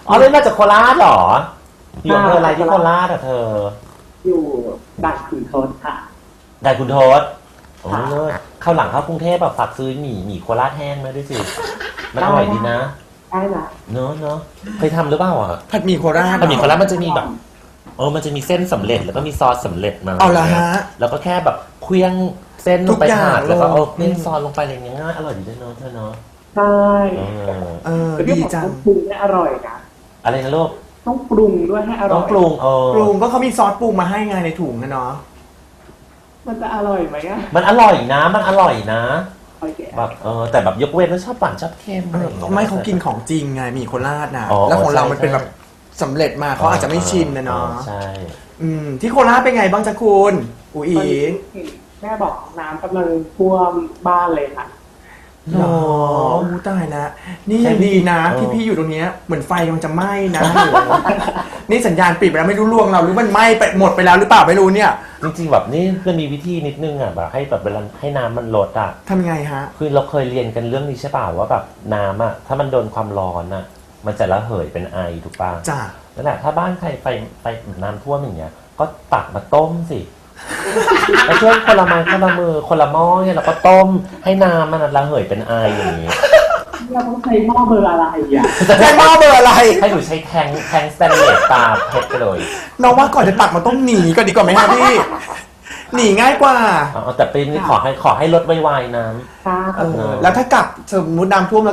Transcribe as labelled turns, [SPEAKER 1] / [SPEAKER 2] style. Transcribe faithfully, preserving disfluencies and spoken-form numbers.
[SPEAKER 1] อ๋อเล่นมาจากโคราชเหรออยู่อำเภออะไรที่โคราชอ่ะเธอ
[SPEAKER 2] อยู่ด่านขุนทดค่ะ
[SPEAKER 1] ได้คุณโทษโอ้เลิศเข้าหลังเข้ากรุงเทพแบบฝากซื้อหมี่หมี่โคราชแห้งมาด้วยสิมันอร่อยดีนะ
[SPEAKER 2] ได้ละ
[SPEAKER 1] เนอะเนอะเคยทำหรือเปล่าอ่ะ
[SPEAKER 3] ผัดหมี่โคราช
[SPEAKER 1] ผัดหมี่โคราชมันจะมีแบบเออมันจะมีเส้นสำเร็จแล้วก็มีซอสสำเร็จมา
[SPEAKER 3] เอาละฮะ
[SPEAKER 1] แล้วก็แค่แบบเคลี้ยงเส้นลงไป
[SPEAKER 3] ทุกอย่าง
[SPEAKER 1] ผัดแล้วก็เอา
[SPEAKER 3] ลง
[SPEAKER 1] เคลี้ยงซอสลงไปอะไรอย่างเงี้ยง่ายอร่อยดีด้วยเนาะเธอเนาะ
[SPEAKER 2] ใช่
[SPEAKER 1] เออ
[SPEAKER 3] เออ
[SPEAKER 2] แต่
[SPEAKER 3] ดี
[SPEAKER 2] ที่บอก
[SPEAKER 3] จัง
[SPEAKER 2] ต้องปรุงให้อร่อยนะ
[SPEAKER 1] อะไรนะลูก
[SPEAKER 2] ต้องปรุงด้วยให้อร่
[SPEAKER 1] ต้
[SPEAKER 2] อ
[SPEAKER 1] อง
[SPEAKER 2] ย
[SPEAKER 1] ปรุงเออ
[SPEAKER 3] ปรุงก็เขามีซอสปรุงมาให้ไงในถุงนะเนาะ
[SPEAKER 2] มันจะอร่อยไหมอะ
[SPEAKER 1] มันอร่อยนะมันอร่อยนะ
[SPEAKER 2] โอเค
[SPEAKER 1] แบบเออแต่แบบยกเว้นว่าชอบหวานชอบเค็มอะไรอย่างเงี้ย
[SPEAKER 3] ไม่เขากินของจริงไงหมี่โคราชนะ
[SPEAKER 1] อ๋อ
[SPEAKER 3] แล้วของเรามัน
[SPEAKER 1] ใช่
[SPEAKER 3] เป็นแบบสำเร็จมาเขาอาจจะไม่ชินนะเนาะ
[SPEAKER 1] ใช่
[SPEAKER 3] อืมที่โคราชเป็นไงบ้างจ๊ะคุณอุ๋ย
[SPEAKER 2] ตอนนี้แม่บอกน้ำกำลังท่วมบ้านเลยค่ะ
[SPEAKER 3] หรออู้ตายแล้วนี่ยังดีนะที่พี่อยู่ตรงเนี้ยเหมือนไฟมันจะไหม้นะ นี่สัญญาณปิดไปแล้วไม่รู้ล่วงเราหรือมันไหม้ไปหมดไปแล้วหรือเปล่าไม่รู้เนี่ย
[SPEAKER 1] จริงๆแบบนี่มันมีวิธีนิดนึงอ่ะแบบให้แบบเวลาให้น้ำมันลดอ่ะ
[SPEAKER 3] ทำยังไงฮะ
[SPEAKER 1] คือเราเคยเรียนกันเรื่องนี้ใช่ป่าวว่าแบบน้ำอ่ะถ้ามันโดนความร้อนอ่ะมันจะระเหยเป็นไอถูกป่ะ
[SPEAKER 3] จ้ะ
[SPEAKER 1] นั่นแหละถ้าบ้านใครไฟไฟน้ำท่วมอย่างเงี้ยก็ตักมาต้มสิ แล้วช่วยคนละไม้คนละมือคนละหม้อเนี่ยเราก็ต้มให้น้ำมันระเหยเป็นไออย่างนี้
[SPEAKER 2] เราต้องใช้หม้อเบอร์อะไรอ่ะ
[SPEAKER 3] ใช้หม้อเบอร์อะไร
[SPEAKER 1] ให้หนูใช้แทงแทงสแตนเลสตาเพชรไปเลย
[SPEAKER 3] น้องว่าก่อนจะตักมันต้องหนีก่อนดีกว่าไหมฮะพี่ หนีง่ายกว่า
[SPEAKER 1] เอาแต่ปีนี้ขอให้ขอให้ลดไวๆน้ำ
[SPEAKER 2] ค่ะ
[SPEAKER 3] เออแล้วถ้ากลับสมมติน้ำท่วม